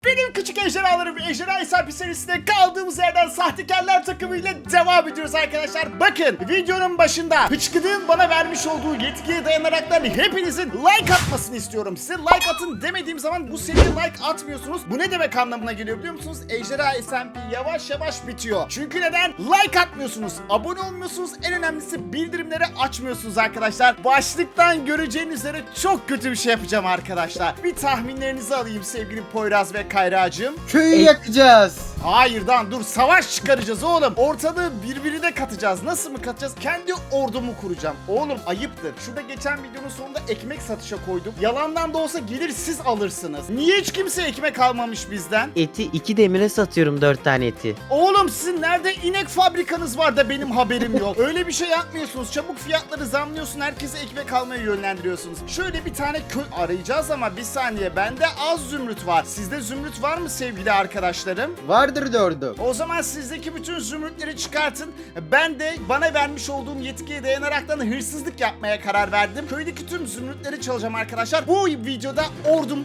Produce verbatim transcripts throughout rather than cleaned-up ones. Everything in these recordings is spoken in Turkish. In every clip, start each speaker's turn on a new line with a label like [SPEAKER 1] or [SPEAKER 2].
[SPEAKER 1] Benim küçük ejderhalarım Ejderha Hesabı serisinde kaldığımız yerden sahtekarlar takımıyla devam ediyoruz arkadaşlar. Bakın videonun başında Hıçkıdık'ın bana vermiş olduğu yetkiye dayanaraktan hepinizin like atmasını istiyorum. Size like atın demediğim zaman bu seriye like atmıyorsunuz. Bu ne demek anlamına geliyor biliyor musunuz? Ejderha Hesabı yavaş yavaş bitiyor. Çünkü neden? Like atmıyorsunuz, abone olmuyorsunuz, en önemlisi bildirimleri açmıyorsunuz arkadaşlar. Başlıktan göreceğiniz üzere çok kötü bir şey yapacağım arkadaşlar. Bir tahminlerinizi alayım sevgili Poyraz ve Kayracığım.
[SPEAKER 2] Köyü yakacağız.
[SPEAKER 1] Hayır lan dur, savaş çıkaracağız oğlum. Ortalığı birbirine katacağız. Nasıl mı katacağız? Kendi ordumu kuracağım. Oğlum ayıptır. Şurada geçen videonun sonunda ekmek satışa koydum. Yalandan da olsa gelir siz alırsınız. Niye hiç kimse ekmek almamış bizden?
[SPEAKER 3] Eti iki demire satıyorum, dört tane eti.
[SPEAKER 1] Oğlum sizin nerede inek fabrikanız var da benim haberim yok. Öyle bir şey yapmıyorsunuz. Çabuk fiyatları zamlıyorsun. Herkese ekmek almaya yönlendiriyorsunuz. Şöyle bir tane köy arayacağız ama bir saniye. Bende az zümrüt var. Sizde zümrüt var mı sevgili arkadaşlarım?
[SPEAKER 2] Vardır dördüm.
[SPEAKER 1] O zaman sizdeki bütün zümrütleri çıkartın. Ben de bana vermiş olduğum yetkiye dayanaraktan hırsızlık yapmaya karar verdim. Köydeki tüm zümrütleri çalacağım arkadaşlar. Bu videoda ordum...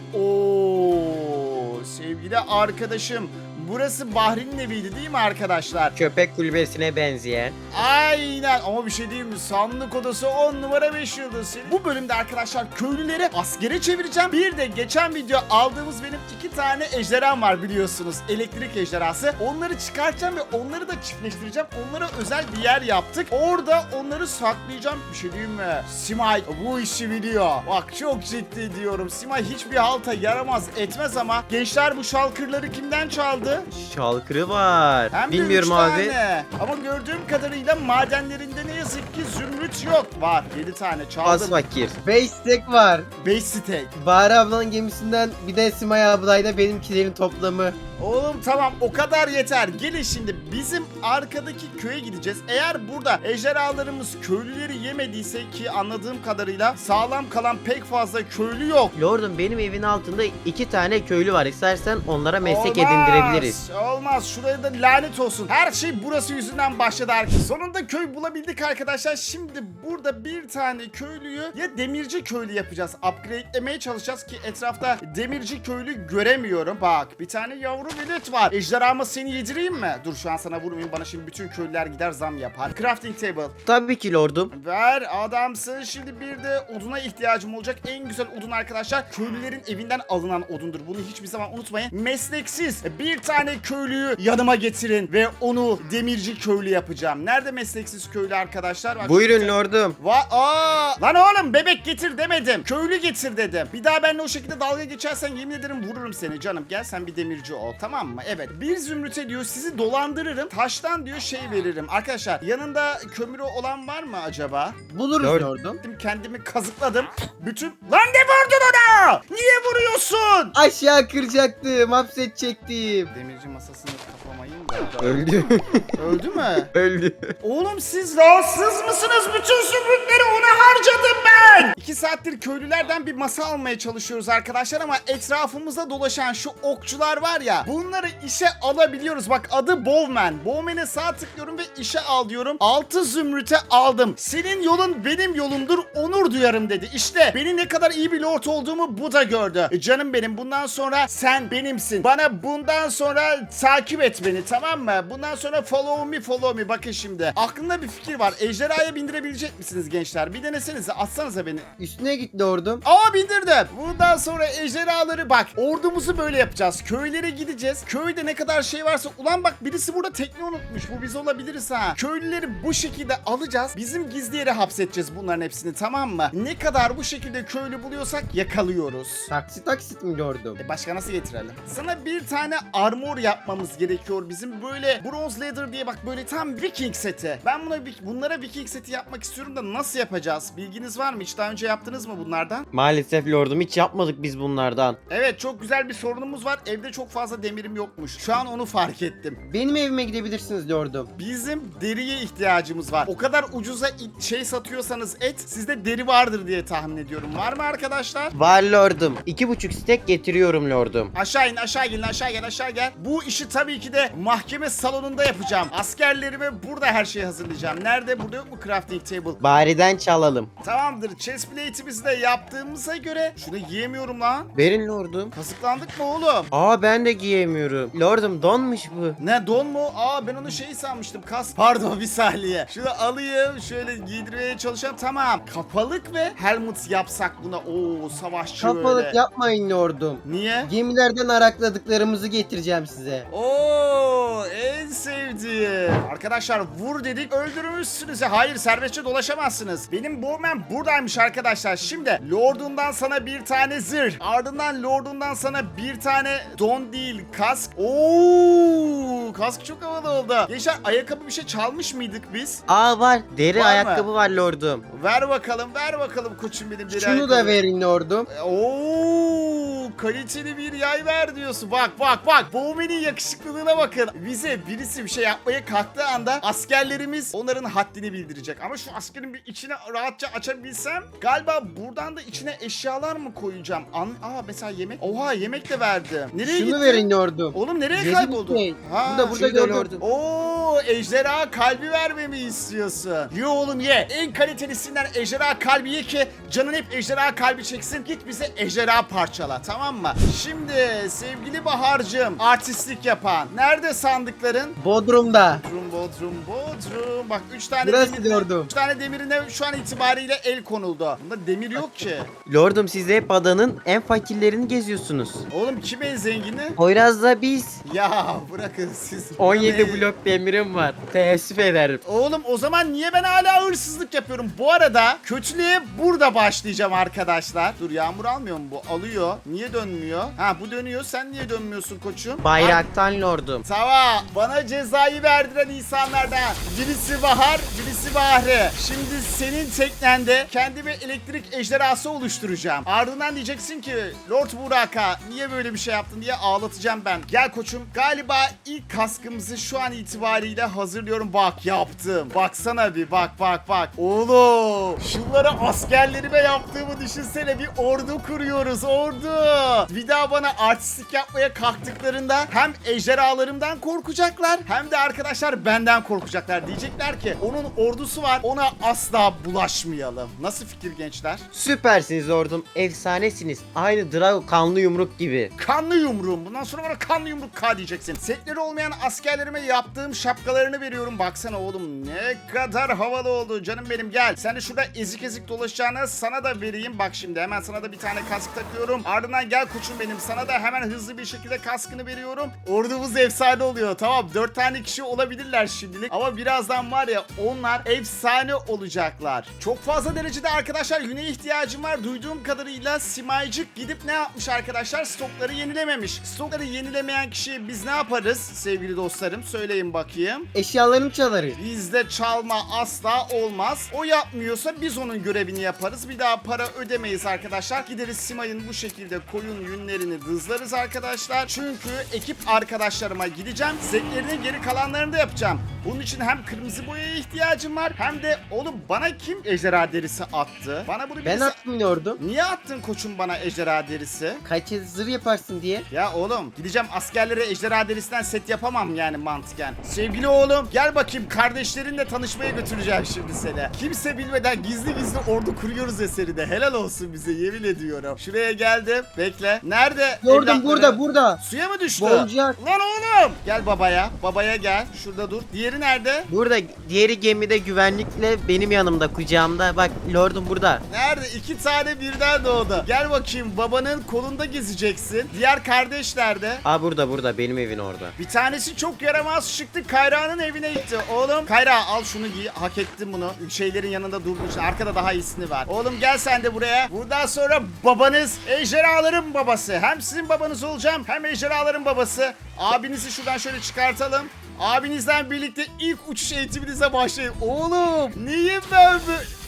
[SPEAKER 1] Oo, sevgili arkadaşım. Burası Bahri'nin eviydi değil mi arkadaşlar?
[SPEAKER 3] Köpek kulübesine benzeyen.
[SPEAKER 1] Aynen, ama bir şey diyeyim mi? Sandık odası on numara beş yıldız. Bu bölümde arkadaşlar köylüleri askere çevireceğim. Bir de geçen video aldığımız benim iki tane ejderham var biliyorsunuz. Elektrik ejderhası. Onları çıkartacağım ve onları da çiftleştireceğim. Onlara özel bir yer yaptık. Orada onları saklayacağım. Bir şey diyeyim mi? Simay bu işi biliyor. Bak çok ciddi diyorum. Simay hiçbir halta yaramaz etmez ama gençler bu şalkırları kimden çaldı?
[SPEAKER 3] Şalkırı var.
[SPEAKER 1] Hem de
[SPEAKER 3] Bilmiyorum
[SPEAKER 1] üç
[SPEAKER 3] abi.
[SPEAKER 1] tane. Ama gördüğüm kadarıyla madenlerinde ne yazık ki zümrüt yok. Var yedi tane
[SPEAKER 3] Az
[SPEAKER 1] çaldım.
[SPEAKER 3] fakir.
[SPEAKER 2] beş stack var.
[SPEAKER 1] beş steak.
[SPEAKER 2] Bahar ablanın gemisinden bir de Simay ablayla benimkilerin toplamı.
[SPEAKER 1] Oğlum tamam, o kadar yeter. Gelin şimdi bizim arkadaki köye gideceğiz. Eğer burada ejderhalarımız köylüleri yemediyse, ki anladığım kadarıyla sağlam kalan pek fazla köylü yok.
[SPEAKER 3] Lordum, benim evin altında iki tane köylü var. İstersen onlara meslek
[SPEAKER 1] Olmaz,
[SPEAKER 3] edindirebiliriz.
[SPEAKER 1] Olmaz. Şuraya da lanet olsun. Her şey burası yüzünden başladı arkadaşlar. Sonunda köy bulabildik arkadaşlar. Şimdi burada bir tane köylüyü ya demirci köylü yapacağız. Upgrade'lemeye çalışacağız ki etrafta demirci köylü göremiyorum. Bak bir tane yavru velet var. Ejderhama seni yedireyim mi? Dur şu an sana vurmayayım. Bana şimdi bütün köylüler gider zam yapar. Crafting table.
[SPEAKER 3] Tabii ki lordum.
[SPEAKER 1] Ver adamsın. Şimdi bir de oduna ihtiyacım olacak. En güzel odun arkadaşlar köylülerin evinden alınan odundur. Bunu hiçbir zaman unutmayın. Mesleksiz bir tane köylüyü yanıma getirin ve onu demirci köylü yapacağım. Nerede mesleksiz köylü arkadaşlar? Bak,
[SPEAKER 3] Buyurun
[SPEAKER 1] şurada-
[SPEAKER 3] lordum.
[SPEAKER 1] Va Aa! Lan oğlum, bebek getir demedim. Köylü getir dedim. Bir daha benimle o şekilde dalga geçersen yemin ederim vururum seni canım. Gel sen bir demirci ol, tamam mı? Evet. Bir zümrüte diyor sizi dolandırırım. Taştan diyor şey veririm. Arkadaşlar yanında kömürü olan var mı acaba?
[SPEAKER 2] Buluruz
[SPEAKER 3] Dört.
[SPEAKER 2] dördüm.
[SPEAKER 1] Kendimi kazıkladım. Bütün... Lan ne vurdun ona? Niye vuruyorsun?
[SPEAKER 2] Aşağı kıracaktım, hapsedecektim.
[SPEAKER 1] Demirci masasını kapamayın da.
[SPEAKER 3] Öldü.
[SPEAKER 1] Öldü mü?
[SPEAKER 3] Öldü.
[SPEAKER 1] Oğlum siz rahatsız mısınız? Bütün zümrütleri ona harcadım ben. İki saattir köylülerden bir masa almaya çalışıyoruz arkadaşlar ama etrafımızda dolaşan şu okçular var ya, bunları işe alabiliyoruz. Bak adı Bowman. Bowman'e sağ tıklıyorum ve işe al diyorum. altı zümrüte aldım. Senin yolun benim yolumdur, onur duyarım dedi. İşte benim ne kadar iyi bir lord olduğumu bu da gördü. E canım benim, bundan sonra sen benimsin. Bana bundan sonra takip et beni, tamam mı? Bundan sonra follow me follow me. Bakın şimdi aklımda bir fikir var. Ejderhaya bindirebilecek misiniz gençler? Bir denesenize, atsanıza beni.
[SPEAKER 2] Üstüne git dördüm.
[SPEAKER 1] Aa, bindirdim. Bundan sonra ejderhaları bak. Ordumuzu böyle yapacağız. Köylere gideceğiz. Köyde ne kadar şey varsa. Ulan bak birisi burada tekne unutmuş. Bu biz olabiliriz ha. Köylüleri bu şekilde alacağız. Bizim gizli yere hapsedeceğiz bunların hepsini, tamam mı? Ne kadar bu şekilde köylü buluyorsak yakalıyoruz.
[SPEAKER 2] Taksi taksit mi dördüm?
[SPEAKER 1] E başka nasıl getirelim? Sana bir tane armor yapmamız gerekiyor bizim. Böyle bronze leather diye bak, böyle tam Viking seti. Ben buna bunlara Viking seti yapmak istiyorum da nasıl yapacağız? Bilginiz var mı? Hiç daha önce yaptınız mı bunlardan?
[SPEAKER 3] Maalesef lordum, hiç yapmadık biz bunlardan.
[SPEAKER 1] Evet, çok güzel bir sorunumuz var. Evde çok fazla demirim yokmuş. Şu an onu fark ettim.
[SPEAKER 2] Benim evime gidebilirsiniz dördüm.
[SPEAKER 1] Bizim deriye ihtiyacımız var. O kadar ucuza it- şey satıyorsanız et, sizde deri vardır diye tahmin ediyorum. Var mı arkadaşlar?
[SPEAKER 3] Var lordum. İki buçuk stek getiriyorum lordum.
[SPEAKER 1] Aşağı in, aşağı gelin, aşağı gel, aşağı gel. Bu işi tabii ki de mahkeme salonunda yapacağım. Askerlerime burada her şeyi hazırlayacağım. Nerede? burada yok mu crafting table?
[SPEAKER 3] Bariden çalalım.
[SPEAKER 1] Tamamdır. Chest plate'imizi de yaptığımıza göre şunu giyemiyorum lan.
[SPEAKER 3] Verin lordum.
[SPEAKER 1] Kazıklandık mı oğlum?
[SPEAKER 3] Aa ben de giyemiyorum. Lordum donmuş bu.
[SPEAKER 1] Ne don mu? Aa ben onu şey sanmıştım. Kas. Pardon bir saniye. Şunu alayım. Şöyle giydirmeye çalışalım. Tamam. Kapalık ve helmet yapsak buna. Oo savaşçı
[SPEAKER 2] Kafalık
[SPEAKER 1] böyle.
[SPEAKER 2] yapmayın lordum.
[SPEAKER 1] Niye?
[SPEAKER 2] Gemilerden arakladıklarımızı getireceğim size.
[SPEAKER 1] Oo en sevdiğim. Arkadaşlar vur dedik öldürmüşsünüz. ya. Hayır serbestçe dolaşamazsınız. Benim Bowman buradaymış arkadaşlar. Şimdi Lord'undan sana bir tane zırh. Ardından Lord'undan sana bir tane don değil kask. Oo kask çok havalı oldu. Gençler ayakkabı bir şey çalmış mıydık biz?
[SPEAKER 3] Aa var. Deri
[SPEAKER 1] Var mı?
[SPEAKER 3] ayakkabı var lordum.
[SPEAKER 1] Ver bakalım ver bakalım koçum benim deri
[SPEAKER 2] Şunu
[SPEAKER 1] ayakkabı.
[SPEAKER 2] da verin lordum.
[SPEAKER 1] Oo, kaliteli bir yay ver diyorsun. Bak bak bak. Bowman'in yakışıklılığına bakın. Bize birisi bir şey yapmaya kalktığı anda askerlerimiz onların haddini bildirecek. Ama şu askerin bir içine rahatça açabilsem galiba buradan da içine eşyalar mı koyacağım? An Aa mesela yemek. Oha yemek de verdim. Nereye
[SPEAKER 2] Şunu
[SPEAKER 1] gitti?
[SPEAKER 2] verin lordum.
[SPEAKER 1] Oğlum nereye
[SPEAKER 2] Yedi
[SPEAKER 1] kayboldu?
[SPEAKER 2] bir şey.
[SPEAKER 1] Ha,
[SPEAKER 2] Burada burada
[SPEAKER 3] şurada
[SPEAKER 2] gördüm.
[SPEAKER 3] lordum.
[SPEAKER 1] Oo ejderha kalbi vermemi istiyorsun. Ye oğlum ye. En kalitelisinden ejderha kalbi ye ki canın hep ejderha kalbi çeksin. Git bize ejderha parçala tamam mı? Şimdi sevgili Bahar'cığım artistlik yapan. Nerede sandıkların?
[SPEAKER 2] Bodrum'da.
[SPEAKER 1] Bodrum Bodrum Bodrum. Bak üç tane
[SPEAKER 2] Burası
[SPEAKER 1] demirine,
[SPEAKER 2] gördüm.
[SPEAKER 1] üç tane demirine şu an itibariyle el konuldu. Bunda demir yok ki.
[SPEAKER 3] Lordum siz hep adanın en fakirlerini geziyorsunuz.
[SPEAKER 1] Oğlum kim en zengini?
[SPEAKER 3] Poyraz'da biz.
[SPEAKER 1] Ya bırakın siz.
[SPEAKER 3] on yedi
[SPEAKER 1] Beni-
[SPEAKER 3] blok demirim var. Teessüf ederim.
[SPEAKER 1] Oğlum o zaman niye ben hala hırsızlık yapıyorum? Bu arada kötülüğe burada başlayacağım arkadaşlar. Dur yağmur almıyor mu bu? Alıyor. Niye dönmüyor? Ha bu dönüyor. Sen niye dönmüyorsun koçum?
[SPEAKER 3] Bayraktan lordum.
[SPEAKER 1] Tamam. Bana cezayı verdiren insanlardan. Birisi Bahar, birisi Bahri. Şimdi senin teknende kendime elektrik ejderhası oluşturacağım. Ardından diyeceksin ki Lord Buraka niye böyle bir şey yaptın diye ağlatacağım ben. Gel koçum. Galiba ilk kaskımızı şu an itibariyle hazırlıyorum. Bak yaptım. Baksana bir bak bak bak. Oğlum şunları askerlerime yaptığımı düşünsene. Bir ordu kuruyoruz ordu. Bir daha bana artistlik yapmaya kalktıklarında hem ejderhalarımdan korkacaklar hem de arkadaşlar benden korkacaklar. Diyecekler ki onun ordusu var ona asla bulaşmayalım. Nasıl fikir gençler?
[SPEAKER 3] Süpersiniz lordum. Efsanesiniz. Aynı Drago kanlı yumruk gibi.
[SPEAKER 1] Kanlı yumruğum. Bundan sonra bana kanlı yumruk K diyeceksin. Setleri olmayan askerlerime yaptığım şapkalarını veriyorum. Baksana oğlum ne kadar havalı oldu. Canım benim gel. Sen de şurada ezik ezik dolaşacağına sana da vereyim. Bak şimdi hemen sana da bir tane kask takıyorum. Ardından gel koçum benim. Sana da hemen hızlı bir şekilde kaskını veriyorum. Ordumuz efsane oluyor. Tamam dört tane kişi olabilirler şimdilik. Ama birazdan var ya onlar efsane olacaklar. Çok fazla derecede arkadaşlar yüne ihtiyacım var. Duyduğum kadarıyla Simaycık gidip ne yapmış arkadaşlar? Stokları yenilememiş. Stokları yenilemeyen kişiye biz ne yaparız sevgili dostlarım? Söyleyin bakayım.
[SPEAKER 2] Eşyalarını çalarız.
[SPEAKER 1] Bizde çalma asla olmaz. O yapmıyorsa biz onun görevini yaparız. Bir daha para ödemeyiz arkadaşlar. Gideriz Simay'ın bu şekilde koyun yünlerini dızlarız arkadaşlar. Çünkü ekip arkadaşlarıma gideceğim. Zetlerinin geri kalanlarını da yapacağım. Bunun için hem kırmızı boyaya ihtiyacım var hem de oğlum bana kim ejderha derisi attı? Bana bunu
[SPEAKER 2] Ben
[SPEAKER 1] birisi...
[SPEAKER 2] attım lordum.
[SPEAKER 1] Niye attın koçum bana ejderha derisi?
[SPEAKER 2] Kaç zırh yaparsın diye.
[SPEAKER 1] Ya oğlum gideceğim askerlere ejderha derisinden set yapamam yani mantıken. Sevgili oğlum gel bakayım kardeşlerinle tanışmaya götüreceğim şimdi seni. Kimse bilmeden gizli gizli ordu kuruyoruz eserinde. Helal olsun bize yemin ediyorum. Şuraya geldim. Bekle. Nerede?
[SPEAKER 2] Lordum
[SPEAKER 1] evlatları?
[SPEAKER 2] burada burada.
[SPEAKER 1] Suya mı düştü?
[SPEAKER 2] Boncuk.
[SPEAKER 1] Lan oğlum. Gel babaya. Babaya gel. Şurada dur. Diğeri nerede?
[SPEAKER 3] Burada diğeri gemide güvenlikle benim yanımda kucağımda. Bak lordum burada.
[SPEAKER 1] Nerede? İki tane birden doğdu. Gel bakayım babanın kolunda gezeceksin. Diğer kardeş nerede?
[SPEAKER 3] Aa burada burada benim evin orada.
[SPEAKER 1] Bir tanesi çok yaramaz çıktı. Kayra'nın evine gitti. Oğlum Kayra al şunu giy. Hak ettin bunu. Şeylerin yanında durduğun için. Arkada daha iyisini var. Oğlum gel sen de buraya. Buradan sonra babanız ejderhaların babası. Hem sizin babanız olacağım hem ejderhaların babası. Abinizi şuradan şöyle çıkartalım. Abinizden birlikte ilk uçuş eğitiminize başlayın. Oğlum niye ben bu...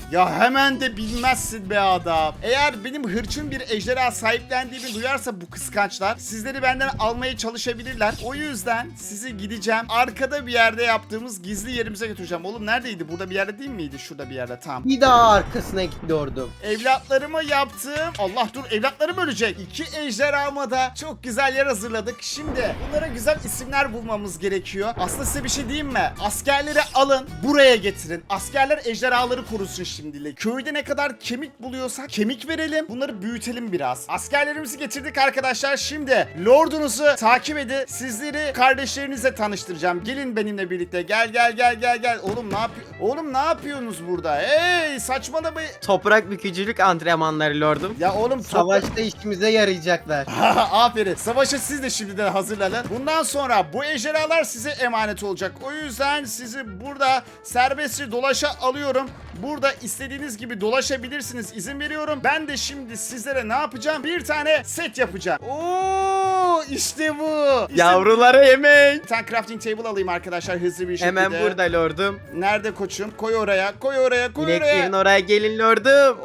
[SPEAKER 1] Ya hemen de bilmezsin be adam. Eğer benim hırçın bir ejderha sahiplendiğimi duyarsa bu kıskançlar sizleri benden almaya çalışabilirler. O yüzden sizi gideceğim. Arkada bir yerde yaptığımız gizli yerimize götüreceğim. Oğlum neredeydi? Burada bir yerde değil miydi? Şurada bir yerde. Tamam.
[SPEAKER 2] Bir daha arkasına gidiyordum.
[SPEAKER 1] Evlatlarıma yaptım. Allah dur, evlatlarım ölecek. İki ejderhama da çok güzel yer hazırladık. Şimdi bunlara güzel isimler bulmamız gerekiyor. Aslında size bir şey diyeyim mi? Askerleri alın, buraya getirin. Askerler ejderhaları korusun şimdilik. Köyde ne kadar kemik buluyorsak kemik verelim. Bunları büyütelim biraz. Askerlerimizi getirdik arkadaşlar. Şimdi lordunuzu takip edin. Sizleri kardeşlerinizle tanıştıracağım. Gelin benimle birlikte. Gel gel gel gel gel. Oğlum ne yapıyor? Oğlum ne yapıyorsunuz burada? Hey, saçmalamayın.
[SPEAKER 3] Toprak bükücülük antrenmanları lordum.
[SPEAKER 1] Ya oğlum
[SPEAKER 2] Savaşta işimize yarayacaklar.
[SPEAKER 1] aferin. Savaşa siz de şimdiden hazırlanın. Bundan sonra bu ejderhalar size emanet olacak. O yüzden sizi burada serbestçe dolaşa alıyorum. Burada istediğiniz gibi dolaşabilirsiniz. İzin veriyorum. Ben de şimdi sizlere ne yapacağım? Bir tane set yapacağım. Oo, işte bu. İşte
[SPEAKER 3] Yavrulara yemek.
[SPEAKER 1] bir tane crafting table alayım arkadaşlar hızlı bir şekilde.
[SPEAKER 3] Hemen burada lordum.
[SPEAKER 1] Nerede koçum? Koy oraya. Koy oraya. Koy
[SPEAKER 3] İneklerin
[SPEAKER 1] oraya.
[SPEAKER 3] oraya gelin lordum.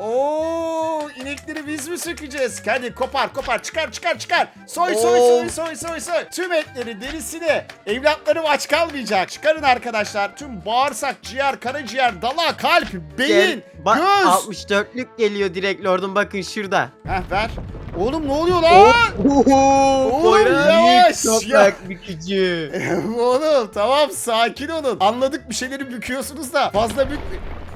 [SPEAKER 1] Oo, inekleri biz mi sökeceğiz? Hadi kopar kopar çıkar çıkar çıkar. Soy soy
[SPEAKER 3] Oo.
[SPEAKER 1] soy soy soy soy. Tüm etleri, derisini. Evlatlarım aç kalmayacak. Çıkarın arkadaşlar. Tüm bağırsak, ciğer, karaciğer, dala, kalp,
[SPEAKER 3] Gel.
[SPEAKER 1] beyin,
[SPEAKER 3] Bak
[SPEAKER 1] göz.
[SPEAKER 3] altmış dörtlük geliyor direkt lordum, bakın şurada.
[SPEAKER 1] Heh ver. Oğlum ne oluyor lan? Oğlum
[SPEAKER 3] Poyraz.
[SPEAKER 1] yavaş ya.
[SPEAKER 2] Toprak bükücü.
[SPEAKER 1] Oğlum tamam sakin olun. Anladık bir şeyleri büküyorsunuz da fazla bük...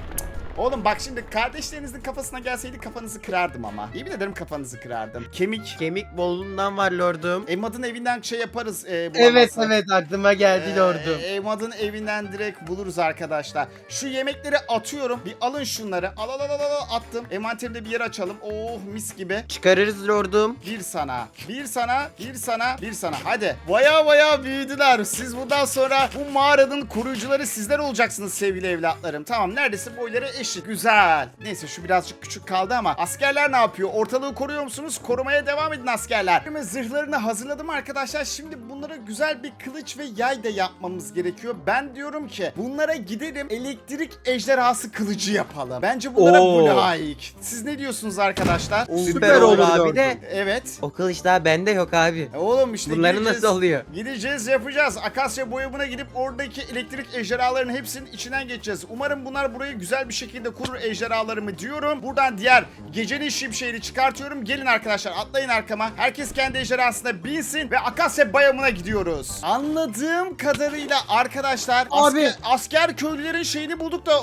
[SPEAKER 1] Oğlum bak şimdi kardeşlerinizin kafasına gelseydi kafanızı kırardım ama. Yemin ederim kafanızı kırardım. Kemik.
[SPEAKER 3] Kemik bolluğundan var lordum.
[SPEAKER 1] Emad'ın evinden şey yaparız. E,
[SPEAKER 2] Evet
[SPEAKER 1] bulamazsak.
[SPEAKER 2] evet aklıma geldi lordum.
[SPEAKER 1] Ee, Emad'ın evinden direkt buluruz arkadaşlar. Şu yemekleri atıyorum. Bir alın şunları. Al al al al al, attım. Envanterimde bir yer açalım. Oh mis gibi.
[SPEAKER 3] Çıkarırız lordum.
[SPEAKER 1] Bir sana, bir sana, bir sana, bir sana. Hadi. Baya baya büyüdüler. Siz bundan sonra bu mağaranın koruyucuları sizler olacaksınız sevgili evlatlarım. Tamam neredeyse boyları eşit. Güzel. Neyse şu birazcık küçük kaldı ama askerler ne yapıyor? Ortalığı koruyor musunuz? Korumaya devam edin askerler. Şimdi zırhlarını hazırladım arkadaşlar. Şimdi bunlara güzel bir kılıç ve yay da yapmamız gerekiyor. Ben diyorum ki bunlara gidelim elektrik ejderhası kılıcı yapalım. Bence bunlara
[SPEAKER 3] Oo.
[SPEAKER 1] bu layık. Siz ne diyorsunuz arkadaşlar?
[SPEAKER 3] Süper olur
[SPEAKER 2] olur
[SPEAKER 3] abi
[SPEAKER 2] lordum.
[SPEAKER 3] de.
[SPEAKER 1] Evet.
[SPEAKER 3] O kılıç daha bende yok abi.
[SPEAKER 1] E Oğlum işte
[SPEAKER 3] Bunların
[SPEAKER 1] gideceğiz,
[SPEAKER 3] nasıl oluyor?
[SPEAKER 1] Gideceğiz yapacağız. Akasya boyamına gidip oradaki elektrik ejderhalarının hepsinin içinden geçeceğiz. Umarım bunlar burayı güzel bir şekilde kurur ejderhalarımı diyorum. Buradan diğer gecenin şimşeğini çıkartıyorum. Gelin arkadaşlar atlayın arkama. Herkes kendi ejderhasına binsin ve Akasya bayamına gidiyoruz. Anladığım kadarıyla arkadaşlar
[SPEAKER 2] Abi.
[SPEAKER 1] asker, asker köylülerin şeyini bulduk da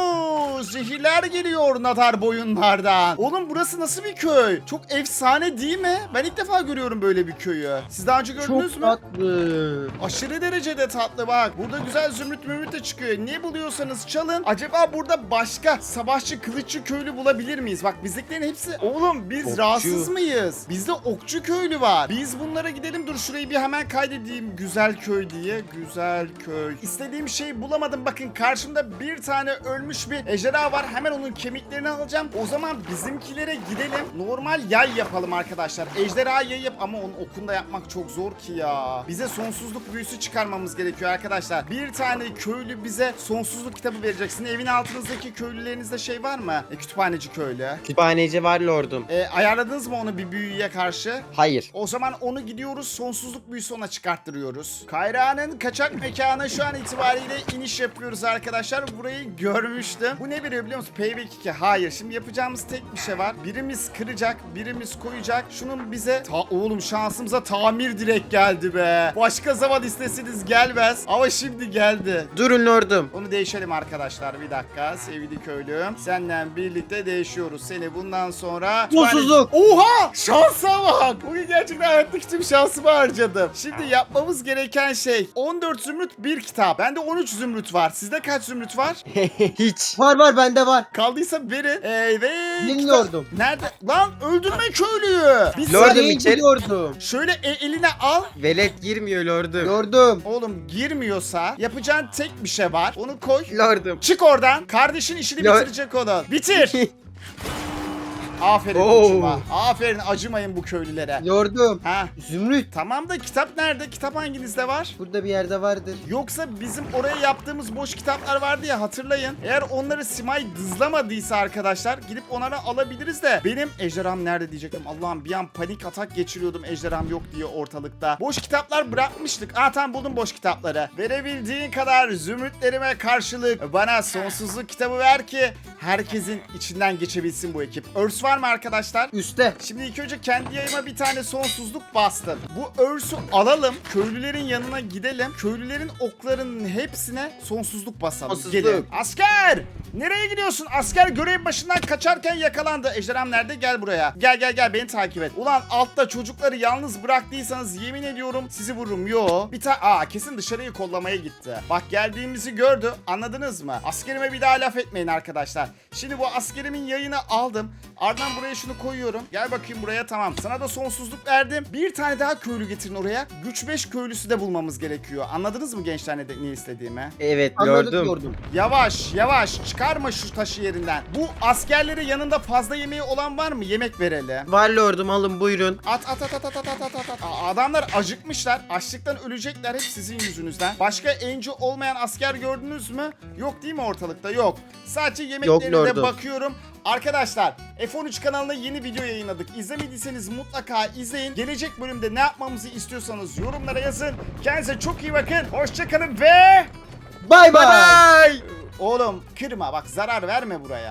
[SPEAKER 1] ooo zehirler geliyor nadar boyunlardan. Oğlum burası nasıl bir köy? Çok efsane değil mi? Ben ilk defa görüyorum böyle bir köyü. Siz daha önce gördünüz
[SPEAKER 2] Çok
[SPEAKER 1] mü?
[SPEAKER 2] tatlı.
[SPEAKER 1] Aşırı derecede tatlı bak. Burada güzel zümrüt mümrüt de çıkıyor. Ne buluyorsanız çalın. Acaba burada başka savaşçı kılıççı köylü bulabilir miyiz? Bak bizdekilerin hepsi... Oğlum biz
[SPEAKER 3] Okçu.
[SPEAKER 1] rahatsız mıyız? Bizde okçu köylü var. Biz bunlara gidelim. Dur şurayı bir hemen kaydedeyim. Güzel köy diye. Güzel köy. İstediğim şeyi bulamadım. Bakın karşımda bir tane ölmüş bir ejderha var. Hemen onun kemiklerini alacağım. O zaman bizimkilere gidelim. Normal yay yapalım arkadaşlar. Ejderha yay yap ama onun okunda yapmak çok zor ki ya. Bize sonsuzluk büyüsü çıkarmamız gerekiyor arkadaşlar. Bir tane köylü bize sonsuzluk kitabı vereceksin. Evin altınızdaki köylülerinizde şey var mı? E, kütüphaneci köylü.
[SPEAKER 3] Kütüphaneci var lordum.
[SPEAKER 1] E, ayarladınız mı onu bir büyüye karşı?
[SPEAKER 3] Hayır.
[SPEAKER 1] O zaman onu gidiyoruz sonsuzluk büyüsü ona çıkarttırıyoruz. Kayra'nın kaçak mekanı şu an itibariyle iniş yapıyoruz arkadaşlar. Burayı görmüştüm. Bu ne veriyor biliyor musun? Payback iki. Hayır. Şimdi yapacağımız tek bir şey var. Birimiz kıracak, birimiz koyacak. Şunun bize... Ta oğlum şansımıza tamir direkt geldi be. Başka zaman isteseniz gelmez. Ama şimdi geldi.
[SPEAKER 3] Durun lordum.
[SPEAKER 1] Onu değişelim arkadaşlar. Bir dakika sevgili köylüm. Seninle birlikte değişiyoruz. Seni bundan sonra...
[SPEAKER 2] Sonsuzluk.
[SPEAKER 1] Oha! Şansa bak! Bugün gerçekten hayattaki tüm şansımı harcadım. Şimdi yapmamız gereken şey on dört zümrüt bir kitap. Bende on üç zümrüt var. Sizde kaç zümrüt var?
[SPEAKER 3] Hiç.
[SPEAKER 2] Var var bende var.
[SPEAKER 1] Kaldıysa verin. Evet.
[SPEAKER 2] Bilmiyordum.
[SPEAKER 1] kitap- Nerede? Lan öldürme köylüyü. Bir
[SPEAKER 3] Lordum,
[SPEAKER 1] saniye.
[SPEAKER 2] Neyi
[SPEAKER 3] içeri-
[SPEAKER 2] biliyordum.
[SPEAKER 1] Şöyle e- eline al.
[SPEAKER 3] Velet girmiyor lordum.
[SPEAKER 2] Gördüm.
[SPEAKER 1] Oğlum girmiyorsa yapacağın tek bir şey var. Onu koy.
[SPEAKER 3] Lordum.
[SPEAKER 1] Çık oradan. Kardeşin işini
[SPEAKER 3] Lord-
[SPEAKER 1] bitirecek onu. Bitir. Aferin
[SPEAKER 2] Oo.
[SPEAKER 1] koçuma. Aferin, acımayın bu köylülere.
[SPEAKER 2] Lordum.
[SPEAKER 1] Ha.
[SPEAKER 2] Zümrüt.
[SPEAKER 1] Tamam da kitap nerede? Kitap hanginizde var?
[SPEAKER 2] Burada bir yerde vardır.
[SPEAKER 1] Yoksa bizim oraya yaptığımız boş kitaplar vardı ya, hatırlayın. Eğer onları Simay dızlamadıysa arkadaşlar gidip onları alabiliriz de. Benim ejderham nerede diyecektim. Allah'ım, bir an panik atak geçiriyordum ejderham yok diye ortalıkta. Boş kitaplar bırakmıştık. Aa tamam, buldum boş kitapları. Verebildiğin kadar zümrütlerime karşılık bana sonsuzluk kitabı ver ki herkesin içinden geçebilsin bu ekip. Örs var mı arkadaşlar?
[SPEAKER 2] Üste.
[SPEAKER 1] Şimdi ilk önce kendi yayıma bir tane sonsuzluk bastım. Bu örsü alalım. Köylülerin yanına gidelim. Köylülerin oklarının hepsine sonsuzluk basalım.
[SPEAKER 2] Sonsuzluk.
[SPEAKER 1] Gelin. Asker! Nereye gidiyorsun? Asker görev başından kaçarken yakalandı. Ejderham nerede? Gel buraya. Gel gel gel, beni takip et. Ulan altta çocukları yalnız bıraktıysanız yemin ediyorum sizi vururum. Yo. Bir tane... Aa kesin dışarıyı kollamaya gitti. Bak geldiğimizi gördü. Anladınız mı? Askerime bir daha laf etmeyin arkadaşlar. Şimdi bu askerimin yayını aldım. Ardından buraya şunu koyuyorum. Gel bakayım buraya, tamam. Sana da sonsuzluk verdim. Bir tane daha köylü getirin oraya. Güç beş köylüsü de bulmamız gerekiyor. Anladınız mı gençler ne, ne istediğimi?
[SPEAKER 3] Evet
[SPEAKER 2] Anladık
[SPEAKER 3] lordum.
[SPEAKER 2] lordum.
[SPEAKER 1] Yavaş yavaş çıkarma şu taşı yerinden. Bu askerleri yanında fazla yemeği olan var mı? Yemek verelim.
[SPEAKER 3] Var lordum, alın buyurun.
[SPEAKER 1] At at at at at at at at at. Aa, adamlar acıkmışlar. Açlıktan ölecekler hep sizin yüzünüzden. Başka enci olmayan asker gördünüz mü? Yok değil mi ortalıkta? Yok. Sadece yemeklerine de
[SPEAKER 3] lordum.
[SPEAKER 1] bakıyorum. Arkadaşlar F on üç kanalına yeni video yayınladık. İzlemediyseniz mutlaka izleyin. Gelecek bölümde ne yapmamızı istiyorsanız yorumlara yazın. Kendinize çok iyi bakın. Hoşçakalın ve...
[SPEAKER 2] Bay bay.
[SPEAKER 3] Bye.
[SPEAKER 1] Oğlum kırma bak, zarar verme buraya.